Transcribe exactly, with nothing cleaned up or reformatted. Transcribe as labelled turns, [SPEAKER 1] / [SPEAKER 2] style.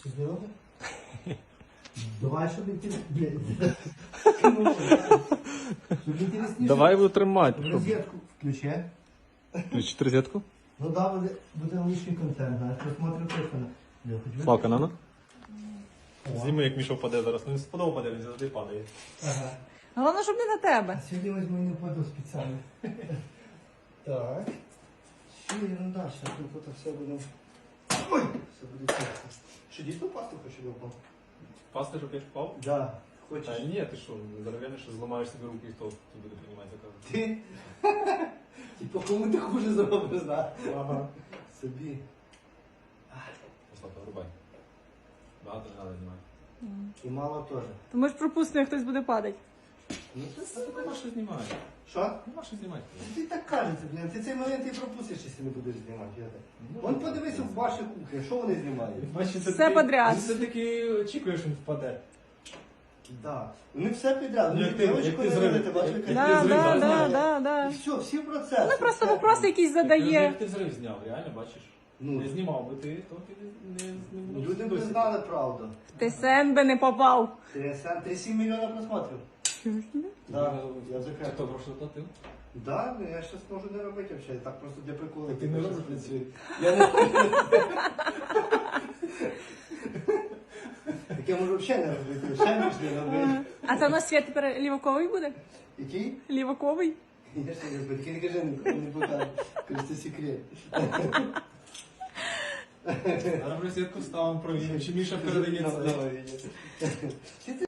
[SPEAKER 1] Серйозно? Давай, щоб інтересніше. Щоб інтересніше.
[SPEAKER 2] Давай его тримати. щоб-
[SPEAKER 1] Розетку включи.
[SPEAKER 2] Включити розетку?
[SPEAKER 1] Ну да, буде, буде лишній контент, знаєш, просмотрю точно. Я хоч
[SPEAKER 2] Славка, на на.
[SPEAKER 1] О.
[SPEAKER 2] Зніми, як Міша впаде зараз. Ну, він сподобав паде, він завжди падає.
[SPEAKER 1] Ага.
[SPEAKER 3] Головне, щоб не на тебе.
[SPEAKER 1] А сьогодні візьму і не впаду спеціально. Так. Що я ну далі, тут це все буде. Ой! Все буде чесно. Що, дійсно пасту хочу випав?
[SPEAKER 2] Пасти, щоб я впав?
[SPEAKER 1] Да.
[SPEAKER 2] Та
[SPEAKER 1] Хочеш?
[SPEAKER 2] ні, ти що, здоров'яний, що зламаєш собі руки, і хто тут буде приймати закази.
[SPEAKER 1] Ти? Типа, кому ти хуже зробиш, да?
[SPEAKER 2] Ага.
[SPEAKER 1] Собі.
[SPEAKER 2] Славка, врубай. Багато не треба знімати.
[SPEAKER 1] І мало теж.
[SPEAKER 3] То ми ж пропустимо, як хтось буде падати.
[SPEAKER 1] Ну це
[SPEAKER 2] Та тут нема що знімати.
[SPEAKER 1] Що?
[SPEAKER 2] Нема що знімати.
[SPEAKER 1] Ти так кажеться, блін. Ти цей момент і пропустиш, якщо не будеш знімати. Я так.
[SPEAKER 2] Ну,
[SPEAKER 1] Вон подивися в вашій кухні, що вони знімають?
[SPEAKER 2] Бачиш, це
[SPEAKER 3] Все
[SPEAKER 2] ти-
[SPEAKER 3] подряд.
[SPEAKER 2] Ти все-таки очікуєш, що він впаде.
[SPEAKER 1] Да. Вони все підряд.
[SPEAKER 2] Ну,
[SPEAKER 1] Вони
[SPEAKER 2] як ти-
[SPEAKER 1] дівчинку
[SPEAKER 2] як ти
[SPEAKER 1] не
[SPEAKER 2] зрив-
[SPEAKER 1] робите, бачиш,
[SPEAKER 2] як-
[SPEAKER 1] яка-
[SPEAKER 2] як
[SPEAKER 3] Да,
[SPEAKER 2] ти
[SPEAKER 3] да,
[SPEAKER 2] зрив,
[SPEAKER 3] да,
[SPEAKER 2] знаєш?
[SPEAKER 3] да, да.
[SPEAKER 1] І все, всі процеси.
[SPEAKER 3] Ну просто
[SPEAKER 1] все.
[SPEAKER 3] вопроси якісь задає.
[SPEAKER 2] Як ти взрив зняв, реально, бачиш?
[SPEAKER 1] Ну.
[SPEAKER 2] Не знімав би ти, то ти не... не, не
[SPEAKER 1] Люди б
[SPEAKER 2] досі.
[SPEAKER 1] знали правду.
[SPEAKER 3] Ти сен би не попав.
[SPEAKER 1] три сім мільйона просмотрів. Да, я
[SPEAKER 2] Хто
[SPEAKER 1] закрив.
[SPEAKER 2] гроші заплатив?
[SPEAKER 1] Да, ну я щось можу не робити взагалі, так просто для приколу.
[SPEAKER 2] Так ти не робиш працює.
[SPEAKER 1] Я не Так я можу взагалі не робити, ще ніж не робити.
[SPEAKER 3] А це у нас світ тепер ліваковий буде?
[SPEAKER 1] Який?
[SPEAKER 3] Ліваковий?
[SPEAKER 1] Я ж не робити, не кажи, нікому не покажу. Кажу, це секрет.
[SPEAKER 2] Зараз розетку ставимо, провіримо, чи Міша передається.
[SPEAKER 1] Давай, давай.